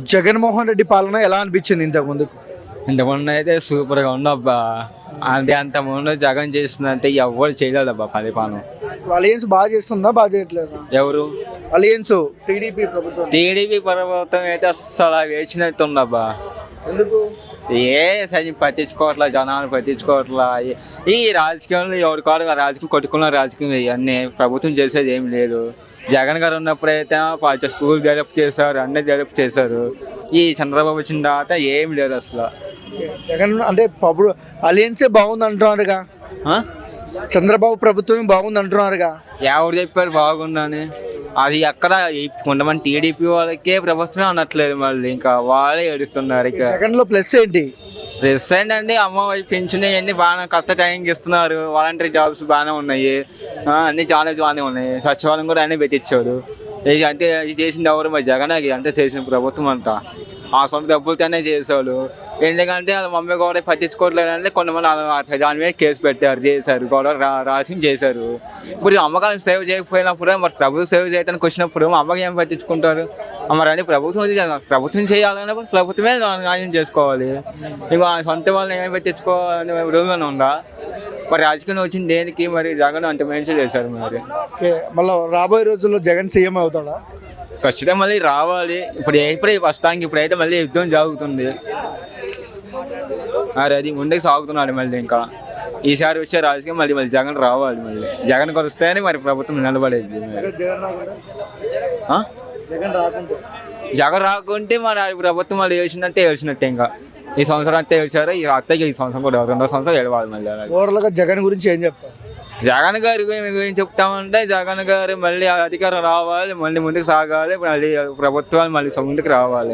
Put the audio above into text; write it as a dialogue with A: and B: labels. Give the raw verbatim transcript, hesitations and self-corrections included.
A: జగన్మోహన్ రెడ్డి పాలన ఎలా అనిపించింది ఇంతకు ముందు?
B: ఇంతకుముందు అయితే సూపర్గా ఉండబ్బా. అంటే అంత ముందు జగన్ చేస్తుందంటే ఎవరు చేయలేదబ్బా పరిపాలన.
A: అలయన్స్ బాగా చేస్తుందా, బాగా చేయట్లేదా?
B: ఎవరు
A: అలయన్స్ టీడీపీ ప్రభుత్వం.
B: టీడీపీ ప్రభుత్వం అయితే అస్సలు వేసినట్టు ఉందబ్బా.
A: ఎందుకు?
B: ఏ సరి పట్టించుకోవట్లా, జనాలు పట్టించుకోవట్లా. ఈ రాజకీయంలో ఎవరి కాదు రాజకీయం కొట్టుకున్న రాజకీయం ఇవన్నీ ప్రభుత్వం చేసేది ఏం లేదు. జగన్ గారు ఉన్నప్పుడైతే పాత స్కూల్ డెవలప్ చేశారు, అన్నీ డెవలప్ చేశారు. ఈ చంద్రబాబు వచ్చిన తర్వాత ఏం లేదు అసలు.
A: జగన్ అంటే పప్పుడు అలయన్సే బాగుంది అంటున్నారుగా, చంద్రబాబు ప్రభుత్వమే బాగుంది అంటున్నారుగా.
B: ఎవరు చెప్పారు బాగుందని? అది ఎక్కడ కొంతమంది టీడీపీ వాళ్ళకే ప్రభుత్వమే అనట్లేదు, మళ్ళీ ఇంకా వాళ్ళే ఏడుస్తున్నారు. ఇక
A: జగన్ లో ప్లస్ ఏంటి?
B: ప్లస్ ఏంటండి, అమ్మ పెంచిన అన్ని బాగా కరెక్ట్ టైంకి ఇస్తున్నారు. వాలంటరీ జాబ్స్ బాగానే ఉన్నాయి, అన్ని చాలా బాగానే ఉన్నాయి. సచివాలయం కూడా అన్నీ పెట్టించారు. ఇది అంటే ఇది చేసింది ఎవరు? మరి జగన్ అంటే చేసిన ప్రభుత్వం అంతా ఆ సొంత డబ్బులతోనే చేశాడు. ఎందుకంటే వాళ్ళ మమ్మీ కూడా పట్టించుకోవట్లేదంటే కొంతమంది దాని మీద కేసు పెట్టారు, చేశారు, గొడవ రా రాసి చేశారు. ఇప్పుడు అమ్మకాలను సేవ్ చేయకపోయినప్పుడు మరి ప్రభుత్వం సేవ్ చేయడానికి వచ్చినప్పుడు అమ్మకి ఏం పట్టించుకుంటారు? మరి అని ప్రభుత్వం ప్రభుత్వం చేయాలన్నప్పుడు ప్రభుత్వమే న్యాయం చేసుకోవాలి. ఇక సొంత వాళ్ళని ఏం పట్టించుకోవాలని రూల్గానే ఉందా? మరి రాజకీయం వచ్చింది దేనికి? మరి జగన్ అంత మంచి చేశారు. మరి
A: మళ్ళీ రాబోయే రోజుల్లో జగన్ సీఎం అవుతాడా?
B: ఖచ్చితంగా మళ్ళీ రావాలి. ఇప్పుడు ఎప్పుడే ప్రస్తుతానికి ఇప్పుడైతే మళ్ళీ యుద్ధం జరుగుతుంది. మరి అది ముందుకు సాగుతున్నాడు. మళ్ళీ ఇంకా ఈసారి వచ్చే రాజకీయం మళ్ళీ మళ్ళీ జగన్ రావాలి. మళ్ళీ జగన్ వస్తేనే మరి ప్రభుత్వం నిలబడేది. జగన్ రాకుంటే మరి ప్రభుత్వం మళ్ళీ వేసినట్టే వేసినట్టే. ఇంకా ఈ సంవత్సరం అంతా వేసారు, ఈ అత్తకి ఈ సంవత్సరం కూడా రెండో సంవత్సరం వెళ్ళవాలి. మళ్ళీ
A: ఓవరాల్గా జగన్ గురించి ఏం చెప్తారు?
B: జగన్ గారి ఏం చెప్తామంటే జగన్ గారు మళ్ళీ అధికారం రావాలి, మళ్ళీ ముందుకు సాగాలి, మళ్ళీ ప్రభుత్వాలు మళ్ళీ ముందుకు రావాలి.